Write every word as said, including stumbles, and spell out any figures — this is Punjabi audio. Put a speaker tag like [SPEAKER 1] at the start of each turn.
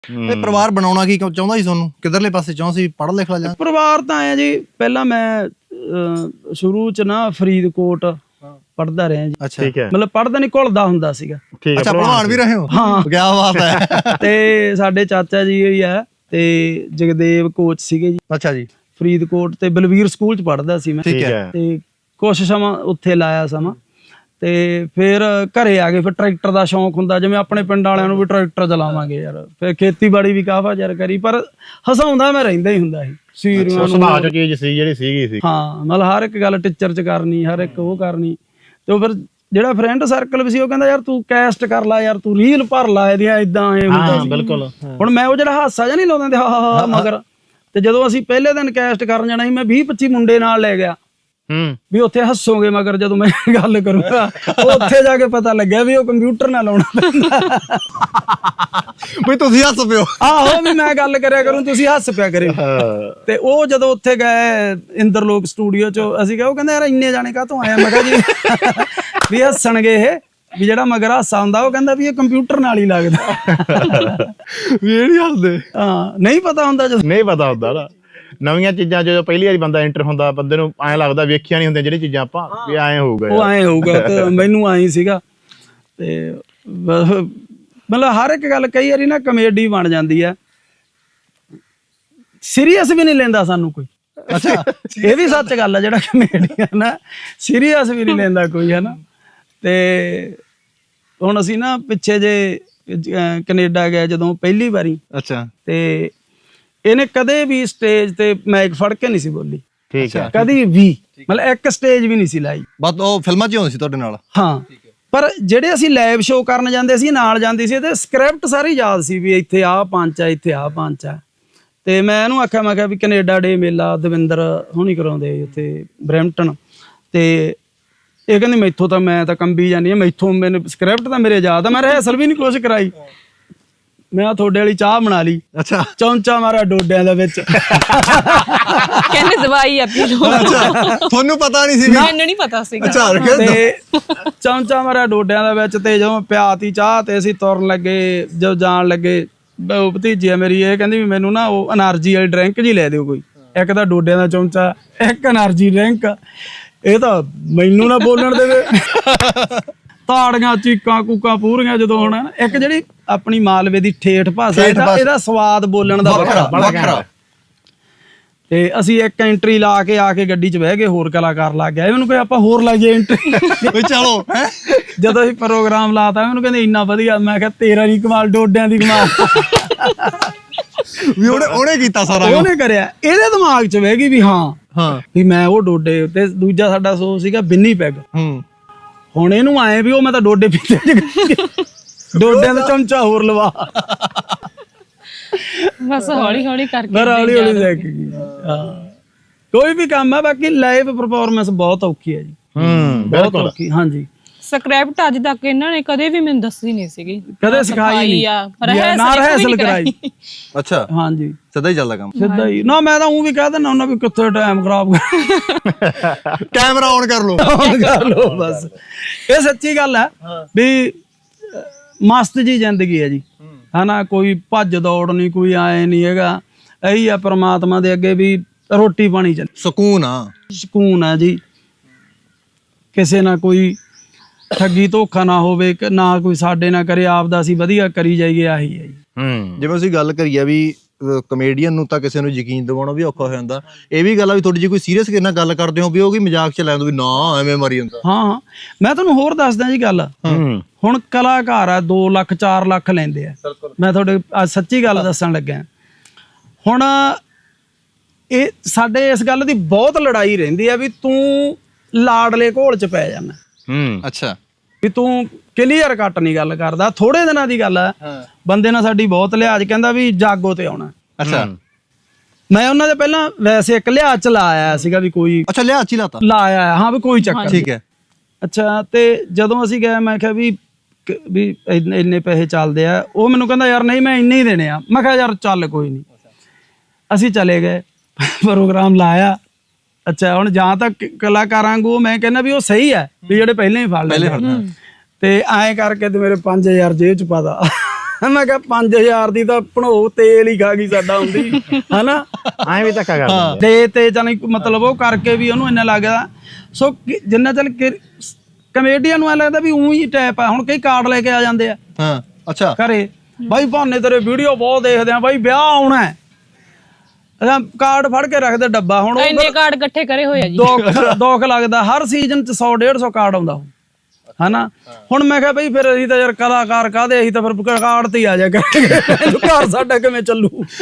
[SPEAKER 1] ਪਰਿਵਾਰ ਬਣਾਉਣਾ ਕੀ ਚਾਹੁੰਦਾ ਸੀ ਤੁਹਾਨੂੰ, ਕਿੱਧਰਲੇ ਪਾਸੇ ਚਾਹੁੰਦਾ ਸੀ, ਪੜ੍ਹ ਲਿਖ ਲਾ ਜਾਂ?
[SPEAKER 2] ਪਰਿਵਾਰ ਤਾਂ ਆਇਆ ਜੀ, ਪਹਿਲਾਂ ਮੈਂ ਸ਼ੁਰੂ ਚ ਨਾ ਫਰੀਦਕੋਟ ਪੜ੍ਹਦਾ ਰਿਹਾ ਜੀ।
[SPEAKER 1] ਅੱਛਾ ਠੀਕ ਹੈ,
[SPEAKER 2] ਮਤਲਬ ਪੜ੍ਹਦਾ ਨਹੀਂ, ਘੁਲਦਾ ਹੁੰਦਾ ਸੀਗਾ।
[SPEAKER 1] ਅੱਛਾ ਭਲਵਾਨ ਵੀ ਰਹੇ ਹੋ?
[SPEAKER 2] ਹਾਂ
[SPEAKER 1] ਕੀ ਬਾਤ ਹੈ।
[SPEAKER 2] ਤੇ ਸਾਡੇ ਚਾਚਾ ਜੀ ਹੀ ਆ ਤੇ ਜਗਦੇਵ ਕੋਚ ਸੀਗੇ ਜੀ।
[SPEAKER 1] ਅੱਛਾ ਜੀ।
[SPEAKER 2] ਫਰੀਦਕੋਟ ਤੇ ਬਲਵੀਰ ਸਕੂਲ ਚ ਪੜ੍ਹਦਾ ਸੀ ਮੈਂ।
[SPEAKER 1] ਠੀਕ ਹੈ।
[SPEAKER 2] ਤੇ ਕੁਛ ਸਮਾਂ ਉੱਥੇ ਲਾਇਆ ਸਮਾਂ, ਤੇ ਫਿਰ ਘਰੇ ਆ ਗਏ। ਫਿਰ ਟਰੈਕਟਰ ਦਾ ਸ਼ੌਂਕ ਹੁੰਦਾ, ਜਿਵੇਂ ਆਪਣੇ ਪਿੰਡ ਵਾਲਿਆਂ ਨੂੰ ਵੀ ਟਰੈਕਟਰ ਚਲਾਵਾਂਗੇ ਯਾਰ। ਫਿਰ ਖੇਤੀਬਾੜੀ ਵੀ ਕਾਫਾ ਚਿਰ ਕਰੀ, ਪਰ ਹਸਾਉਂਦਾ ਮੈਂ ਰਹਿੰਦਾ ਹੀ ਹੁੰਦਾ ਸੀ। ਸੀਰੀਆਂ
[SPEAKER 3] ਸੁਭਾਅ ਚ ਚੀਜ਼ ਸੀ ਜਿਹੜੀ ਸੀਗੀ ਸੀ।
[SPEAKER 2] ਹਾਂ, ਮਤਲਬ ਹਰ ਇੱਕ ਗੱਲ ਟੀਚਰ ਚ ਕਰਨੀ, ਹਰ ਇੱਕ ਉਹ ਕਰਨੀ। ਤੇ ਉਹ ਫਿਰ ਜਿਹੜਾ ਫਰੈਂਡ ਸਰਕਲ ਵੀ ਸੀ ਉਹ ਕਹਿੰਦਾ ਯਾਰ ਤੂੰ ਕੈਸਟ ਕਰ ਲਾ ਯਾਰ, ਤੂੰ ਰੀਲ ਭਰ ਲਾ ਇਹਦੀਆਂ, ਏਦਾਂ ਐ ਹੁੰਦਾ ਸੀ।
[SPEAKER 3] ਬਿਲਕੁਲ।
[SPEAKER 2] ਹੁਣ ਮੈਂ ਉਹ ਜਿਹੜਾ ਹਾਸਾ ਜਿਹਾ ਨਹੀਂ ਲਾਉਂਦੇ ਹਾ ਹਾ ਮਗਰ, ਤੇ ਜਦੋਂ ਅਸੀਂ ਪਹਿਲੇ ਦਿਨ ਕੈਸਟ ਕਰਨ ਜਾਣਾ ਸੀ, ਮੈਂ ਵੀਹ ਪੱਚੀ ਮੁੰਡੇ ਨਾਲ ਲੈ ਗਿਆ ਵੀ ਉੱਥੇ ਹੱਸੋਗੇ ਮਗਰ ਜਦੋਂ ਮੈਂ ਗੱਲ ਕਰੂੰਗਾ। ਉੱਥੇ ਜਾ ਕੇ ਪਤਾ ਲੱਗਿਆ ਵੀ ਉਹ ਕੰਪਿਊਟਰ ਨਾਲ ਲਾਉਣਾ ਪੈਂਦਾ।
[SPEAKER 1] ਵੀ ਤੁਸੀਂ ਹੱਸ ਪਿਓ।
[SPEAKER 2] ਆਹੋ, ਵੀ ਮੈਂ ਗੱਲ ਕਰਿਆ ਕਰੂੰ, ਤੁਸੀਂ ਹੱਸ ਪਿਆ ਕਰਿਓ। ਤੇ ਉਹ ਜਦੋਂ ਉੱਥੇ ਗਏ ਇੰਦਰਲੋਕ ਸਟੂਡੀਓ ਚ, ਅਸੀਂ ਕਿਹਾ, ਉਹ ਕਹਿੰਦਾ ਯਾਰ ਇੰਨੇ ਜਾਣੇ ਕਾਹਤੋਂ ਆਏ? ਮੈਂ ਕਿਹਾ ਜੀ ਵੀ ਹੱਸਣਗੇ ਇਹ, ਵੀ ਜਿਹੜਾ ਮਗਰ ਹਾਸਾ ਹੁੰਦਾ ਉਹ ਕਹਿੰਦਾ ਵੀ ਇਹ ਕੰਪਿਊਟਰ ਨਾਲ ਹੀ ਲੱਗਦਾ।
[SPEAKER 1] ਵੀ ਇਹ ਨੀ ਹੱਸਦੇ।
[SPEAKER 2] ਹਾਂ, ਨਹੀਂ ਪਤਾ ਹੁੰਦਾ ਜਦੋਂ
[SPEAKER 3] ਨਹੀਂ ਪਤਾ ਹੁੰਦਾ ਨਾ ਨਵੀਆਂ ਚੀਜ਼ਾਂ। ਜਦੋਂ ਪਹਿਲੀ ਵਾਰੀ ਬੰਦਾ ਐਂਟਰ ਹੁੰਦਾ, ਬੰਦੇ ਨੂੰ ਐਂ ਲੱਗਦਾ ਵੇਖੀਆਂ ਨਹੀਂ ਹੁੰਦੀਆਂ ਜਿਹੜੀਆਂ ਚੀਜ਼ਾਂ ਆਪਾਂ, ਵੀ ਐਂ ਹੋਊਗਾ,
[SPEAKER 2] ਉਹ ਐਂ ਹੋਊਗਾ। ਤੇ ਮੈਨੂੰ ਐਂ ਸੀਗਾ। ਤੇ ਮਤਲਬ ਹਰ ਇੱਕ ਗੱਲ ਕਈ ਵਾਰੀ ਨਾ ਕਮੇਡੀ ਬਣ ਜਾਂਦੀ ਹੈ, ਸੀਰੀਅਸ ਵੀ ਨਹੀਂ ਲੈਂਦਾ ਸਾਨੂੰ ਕੋਈ।
[SPEAKER 1] ਅੱਛਾ,
[SPEAKER 2] ਇਹ ਵੀ ਸੱਚ ਗੱਲ ਆ, ਜਿਹੜਾ ਕਮੇਡੀ ਹੈ ਨਾ ਸੀਰੀਅਸ ਵੀ ਨਹੀਂ ਲੈਂਦਾ ਕੋਈ, ਹੈ ਨਾ। ਤੇ ਹੁਣ ਅਸੀਂ ਨਾ ਪਿੱਛੇ ਜੇ ਕੈਨੇਡਾ ਗਏ ਜਦੋਂ ਪਹਿਲੀ ਵਾਰੀ।
[SPEAKER 1] ਅੱਛਾ।
[SPEAKER 2] ਤੇ ਇਹਨੇ ਕਦੇ ਵੀ ਸਟੇਜ ਤੇ ਮਾਈਕ ਫੜ ਕੇ ਨਹੀਂ ਸੀ ਬੋਲੀ।
[SPEAKER 3] ਠੀਕ ਹੈ।
[SPEAKER 2] ਕਦੀ ਵੀ, ਮਤਲਬ ਇੱਕ ਸਟੇਜ ਵੀ ਨਹੀਂ ਸੀ ਲਾਈ।
[SPEAKER 1] ਬਸ ਉਹ ਫਿਲਮਾਂ 'ਚ ਹੀ ਹੁੰਦੀ ਸੀ ਤੁਹਾਡੇ ਨਾਲ?
[SPEAKER 2] ਹਾਂ, ਪਰ ਜਿਹੜੇ ਅਸੀਂ ਲਾਈਵ ਸ਼ੋਅ ਕਰਨ ਜਾਂਦੇ ਸੀ, ਨਾਲ ਜਾਂਦੀ ਸੀ, ਤੇ ਸਕ੍ਰਿਪਟ ਸਾਰੀ ਯਾਦ ਸੀ ਵੀ ਇੱਥੇ ਆਹ ਪੰਚ ਆ, ਇੱਥੇ ਆਹ ਪੰਚ ਆ। ਤੇ ਮੈਂ ਇਹਨੂੰ ਆਖਿਆ, ਮੈਂ ਕਿਹਾ ਵੀ ਕੈਨੇਡਾ ਡੇ ਮੇਲਾ ਦਵਿੰਦਰ ਹੁਣੀ ਕਰਾਉਂਦੇ ਉੱਥੇ ਬਰੈਂਪਟਨ, ਤੇ ਇਹ ਕਹਿੰਦੀ ਮੈਥੋਂ ਤਾਂ ਮੈਂ ਤਾਂ ਕੰਬੀ ਜਾਂਦੀ ਹਾਂ, ਮੈਥੋਂ ਮੈਨੂੰ ਸਕ੍ਰਿਪਟ ਤਾਂ ਮੇਰੇ ਯਾਦ ਆ, ਮੈਂ ਰਿਹਰਸਲ ਵੀ ਨਹੀਂ ਕੁਛ ਕਰਾਈ। ਮੈਂ ਤੁਹਾਡੇ ਵਾਲੀ ਚਾਹ ਬਣਾ ਲਈ।
[SPEAKER 1] ਅੱਛਾ।
[SPEAKER 2] ਚੌਂਚਾ ਮਾਰਾ ਡੋਡਿਆਂ ਦੇ ਵਿੱਚ।
[SPEAKER 4] ਕਹਿੰਦੇ ਦਵਾਈ ਆ ਪੀ ਲਓ।
[SPEAKER 1] ਅੱਛਾ, ਤੁਹਾਨੂੰ ਪਤਾ ਨਹੀਂ ਸੀ?
[SPEAKER 4] ਮੈਨੂੰ ਨਹੀਂ ਪਤਾ ਸੀਗਾ।
[SPEAKER 1] ਅੱਛਾ।
[SPEAKER 2] ਤੇ ਚੌਂਚਾ ਮਾਰਾ ਡੋਡਿਆਂ ਦੇ ਵਿੱਚ, ਤੇ ਜਦੋਂ ਪਿਆਤੀ ਚਾਹ ਤੇ ਅਸੀਂ ਤੁਰਨ ਲੱਗੇ, ਜਦੋਂ ਜਾਣ ਲੱਗੇ, ਉਹ ਭਤੀਜੀ ਆ ਮੇਰੀ, ਇਹ ਕਹਿੰਦੀ ਵੀ ਮੈਨੂੰ ਨਾ ਉਹ એનર્ਜੀ ਵਾਲੀ ਡਰਿੰਕ ਜੀ ਲੈ ਦਿਓ ਕੋਈ, ਇੱਕ ਤਾਂ ਡੋਡਿਆਂ ਦਾ ਚੌਂਚਾ, ਇੱਕ એનર્ਜੀ ਡਰਿੰਕ। ਇਹ ਤਾਂ ਮੈਨੂੰ ਨਾ ਬੋਲਣ ਦੇਵੇ। ਤਾੜੀਆਂ ਚੀਕਾਂ ਕੂਕਾਂ ਪੂਰੀਆਂ ਜਦੋਂ ਹੁਣ। ਇੱਕ ਜਿਹੜੀ ਆਪਣੀ ਮਾਲਵੇ ਦੀ ਠੇਠ ਭਾਸ਼ਾ, ਇਹਦਾ ਸਵਾਦ ਬੋਲਣ ਦਾ ਵੱਖਰਾ। ਤੇ ਅਸੀਂ ਇੱਕ ਐਂਟਰੀ ਲਾ ਕੇ ਆ ਕੇ ਗੱਡੀ 'ਚ ਬਹਿ ਗਏ, ਹੋਰ ਕਲਾਕਾਰ ਲੱਗ ਗਿਆ। ਇਹਨੂੰ ਕੋਈ ਆਪਾਂ ਹੋਰ ਲਾਈਏ ਐਂਟਰੀ,
[SPEAKER 1] ਚਲੋ।
[SPEAKER 2] ਜਦੋਂ ਅਸੀਂ ਪ੍ਰੋਗਰਾਮ ਲਾਤਾ, ਇਹਨੂੰ ਕਹਿੰਦੇ ਇੰਨਾ ਵਧੀਆ। ਮੈਂ ਕਿਹਾ ਤੇਰਾ ਨੀ ਕਮਾਲ, ਡੋਡਿਆਂ ਦੀ ਕਮਾਲ।
[SPEAKER 1] ਵੀ ਉਹਨੇ ਉਹਨੇ ਕੀਤਾ ਸਾਰਾ,
[SPEAKER 2] ਉਹਨੇ ਕਰਿਆ। ਇਹਦੇ ਦਿਮਾਗ 'ਚ ਬਹਿ ਗਈ ਵੀ ਹਾਂ
[SPEAKER 1] ਹਾਂ
[SPEAKER 2] ਵੀ ਮੈਂ ਉਹ ਡੋਡੇ। ਤੇ ਦੂਜਾ ਸਾਡਾ ਸੋ ਸੀਗਾ ਬਿੰਨੀ ਪੈਗ।
[SPEAKER 1] ਹੂੰ।
[SPEAKER 2] ਹੁਣ ਇਹਨੂੰ ਆਏ ਵੀ ਉਹ ਮੈਂ ਤਾਂ ਡੋਡੇ ਪੀਤੇ, ਡੋਡਿਆਂ ਦਾ ਚਮਚਾ ਹੋਰ ਲਵਾ।
[SPEAKER 4] ਬਸ ਹੌਲੀ ਹੌਲੀ ਕਰਕੇ
[SPEAKER 2] ਫਿਰ ਹੌਲੀ ਹੌਲੀ ਸਿੱਖ ਗਈ। ਹਾਂ, ਕੋਈ ਵੀ ਕੰਮ ਹੈ, ਬਾਕੀ ਲਾਈਵ ਪਰਫਾਰਮੈਂਸ ਬਹੁਤ ਔਖੀ ਹੈ ਜੀ।
[SPEAKER 3] ਹੂੰ,
[SPEAKER 2] ਬਹੁਤ ਔਖੀ। ਹਾਂਜੀ।
[SPEAKER 4] ਸਕ੍ਰਿਪਟ ਅੱਜ ਤੱਕ ਇਹਨਾਂ ਨੇ ਕਦੇ ਵੀ ਮੈਨੂੰ ਦੱਸੀ ਨਹੀਂ ਸੀਗੀ,
[SPEAKER 2] ਕਦੇ ਸਿਖਾਈ ਨਹੀਂ, ਨਾ ਰਿਹਰਸਲ ਕਰਾਈ।
[SPEAKER 1] ਅੱਛਾ।
[SPEAKER 2] ਹਾਂਜੀ,
[SPEAKER 1] ਸਿੱਧਾ ਹੀ ਚੱਲਦਾ ਕੰਮ?
[SPEAKER 2] ਸਿੱਧਾ ਹੀ। ਨਾ ਮੈਂ ਤਾਂ ਉਹ ਵੀ ਕਹਿ ਦਿੰਦਾ ਉਹਨਾਂ ਵੀ ਕਿੱਥੇ ਟਾਈਮ ਖਰਾਬ ਕਰ,
[SPEAKER 1] ਕੈਮਰਾ ਔਨ ਕਰ ਲੋ,
[SPEAKER 2] ਔਨ ਕਰ ਲੋ ਬਸ। ਇਹ ਸੱਚੀ ਗੱਲ ਹੈ ਵੀ ਮਸਤ ਜੀ ਜ਼ਿੰਦਗੀ ਹੈ ਜੀ, ਹਨਾ। ਕੋਈ ਭੱਜ ਦੌੜ ਨਹੀਂ, ਕੋਈ ਆਏ ਨਹੀਂ ਹੈਗਾ। ਇਹੀ ਆ ਪ੍ਰਮਾਤਮਾ ਦੇ ਅੱਗੇ ਵੀ ਰੋਟੀ ਪਾਣੀ ਚੱਲ,
[SPEAKER 1] ਸਕੂਨ ਆ,
[SPEAKER 2] ਸਕੂਨ ਆ ਜੀ। ਕਿਸੇ ਨਾਲ ਕੋਈ ਠੱਗੀ ਧੋਖਾ ਨਾ ਹੋਵੇ, ਨਾ ਕੋਈ ਸਾਡੇ ਨਾਲ ਕਰੇ, ਆਪ ਦਾ ਅਸੀਂ ਵਧੀਆ ਕਰੀ ਜਾਈਏ, ਆਹੀ ਹੈ ਜੀ।
[SPEAKER 3] ਹੂੰ।
[SPEAKER 1] ਜਿਵੇਂ ਅਸੀਂ ਗੱਲ ਕਰੀ ਆ ਵੀ ਕਮੇਡੀਅਨ ਨੂੰ ਤਾਂ ਕਿਸੇ ਨੂੰ ਯਕੀਨ ਦਿਵਾਉਣਾ ਵੀ ਔਖਾ ਹੋ ਜਾਂਦਾ। ਇਹ ਵੀ ਗੱਲ ਆ ਵੀ ਤੁਹਾਡੀ ਜੇ ਕੋਈ ਸੀਰੀਅਸ ਕਿਸੇ ਨਾਲ ਗੱਲ ਕਰਦੇ ਹੋ ਵੀ ਉਹ ਕੀ ਮਜ਼ਾਕ ਚ ਲੈ ਦੋ ਵੀ ਨਾ ਐਵੇਂ ਮਾਰੀ ਜਾਂਦਾ।
[SPEAKER 2] ਹਾਂ ਹਾਂ, ਮੈਂ ਤੁਹਾਨੂੰ ਹੋਰ ਦੱਸਦਾ ਜੀ ਗੱਲ। ਹੁਣ ਕਲਾਕਾਰ ਆ, ਦੋ ਲੱਖ ਚਾਰ ਲੱਖ ਲੈਂਦੇ ਆ। ਮੈਂ ਤੁਹਾਡੇ ਅੱਜ ਸੱਚੀ ਗੱਲ ਦੱਸਣ ਲੱਗਾ। ਹੁਣ ਇਹ ਸਾਡੇ ਇਸ ਗੱਲ ਦੀ ਬਹੁਤ ਲੜਾਈ ਰਹਿੰਦੀ ਆ ਵੀ ਤੂੰ ਲਾਡਲੇ ਘੋਲ ਚ ਪੈ ਜਾਣਾ।
[SPEAKER 3] ਹੂੰ।
[SPEAKER 1] ਅੱਛਾ।
[SPEAKER 2] ਵੀ ਤੂੰ ਕਲੀਅਰ ਕੱਟ ਨਹੀਂ ਗੱਲ ਕਰਦਾ। ਥੋੜੇ ਦਿਨਾਂ ਦੀ ਗੱਲ ਆ, ਬੰਦੇ ਨਾਲ ਸਾਡੀ ਬਹੁਤ ਲਿਹਾਜ਼, ਕਹਿੰਦਾ ਵੀ ਜਾਗੋ ਤੇ ਆਉਣਾ।
[SPEAKER 1] ਅੱਛਾ।
[SPEAKER 2] ਮੈਂ ਉਹਨਾਂ ਦੇ ਪਹਿਲਾਂ ਵੈਸੇ ਇੱਕ ਲਿਹਾਜ਼ ਚ ਲਾਇਆ ਸੀਗਾ ਵੀ ਕੋਈ।
[SPEAKER 1] ਅੱਛਾ, ਲਿਆ ਚੀ ਲਾਤਾ?
[SPEAKER 2] ਲਾਇਆ ਹਾਂ ਵੀ ਕੋਈ ਚੱਕਰ।
[SPEAKER 1] ਠੀਕ ਹੈ।
[SPEAKER 2] ਅੱਛਾ। ਤੇ ਜਦੋਂ ਅਸੀਂ ਗਏ, ਮੈਂ ਕਿਹਾ ਵੀ ਵੀ ਇੰਨੇ ਪੈਸੇ ਚੱਲਦੇ ਆ। ਉਹ ਮੈਨੂੰ ਕਹਿੰਦਾ ਯਾਰ ਨਹੀਂ, ਮੈਂ ਇੰਨੇ ਹੀ ਦੇਣੇ ਆ। ਮੈਂ ਕਿਹਾ ਯਾਰ ਚੱਲ ਕੋਈ ਨਹੀਂ। ਅਸੀਂ ਚਲੇ ਗਏ, ਪ੍ਰੋਗਰਾਮ ਲਾਇਆ। ਅੱਛਾ, ਹੁਣ ਜਾਂ ਤਾਂ ਕਲਾਕਾਰਾਂ ਵਾਂਗੂ ਮੈਂ ਕਹਿੰਦਾ ਵੀ ਉਹ ਸਹੀ ਹੈ ਵੀ ਜਿਹੜੇ ਪਹਿਲਾਂ ਹੀ ਫੜ ਲੈ, ਤੇ ਐਂ ਕਰਕੇ ਤੇ ਮੇਰੇ ਪੰਜ ਹਜ਼ਾਰ ਜੇਬ ਚ ਪਾਦਾ। ਮੈਂ ਕਿਹਾ ਪੰਜ ਹਜ਼ਾਰ ਦੀ ਤਾਂ ਭਣੋ ਤੇਲ ਹੀ ਖਾ ਗਈ ਸਾਡਾ ਹੁੰਦੀ ਹਨਾ
[SPEAKER 3] ਐਂ ਵੀ ਧੱਕਾ ਕਰਦੇ
[SPEAKER 2] ਦੇ ਤੇ ਜਾਨੀ ਮਤਲਬ ਉਹ ਕਰਕੇ ਵੀ ਉਹਨੂੰ ਇੰਨਾ ਲੱਗਦਾ ਸੋ ਕਿ ਜਿੰਨਾ ਚੱਲ ਕਮੇਡੀਅਨ ਨੂੰ ਐ ਲੱਗਦਾ ਵੀ ਉਹੀ ਟਾਈਪ ਆ ਹੁਣ ਕਈ ਕਾਰਡ ਲੈ ਕੇ ਆ ਜਾਂਦੇ ਆ
[SPEAKER 1] ਹਾਂ ਅੱਛਾ
[SPEAKER 2] ਘਰੇ ਬਾਈ ਭਾਨੇ ਤੇਰੇ ਵੀਡੀਓ ਬਹੁਤ ਦੇਖਦੇ ਆ ਬਾਈ ਵਿਆਹ ਆਉਣਾ ਹੈ ਅਸਾਂ ਕਾਰਡ ਫੜ ਕੇ ਰੱਖਦੇ ਡੱਬਾ ਹੁਣ
[SPEAKER 4] ਇੰਨੇ ਕਾਰਡ ਇਕੱਠੇ ਕਰੇ ਹੋਏ ਆ ਜੀ
[SPEAKER 2] ਦੁੱਖ ਦੁੱਖ ਲੱਗਦਾ ਹਰ ਸੀਜ਼ਨ ਚ ਸੌ ਡੇਢ ਸੌ ਕਾਰਡ ਆਉਂਦਾ ਉਹ ਹਨਾ ਹੁਣ ਮੈਂ ਕਿਹਾ ਬਈ ਫਿਰ ਅਸੀਂ ਤਾਂ ਯਾਰ ਕਲਾਕਾਰ ਕਾਹਦੇ ਅਸੀਂ ਤਾਂ ਫਿਰ ਕਾਰਡ ਤੇ ਹੀ ਆ ਜਾ ਕਰਾਂਗੇ ਘਰ ਸਾਡਾ ਕਿਵੇਂ ਚੱਲੂ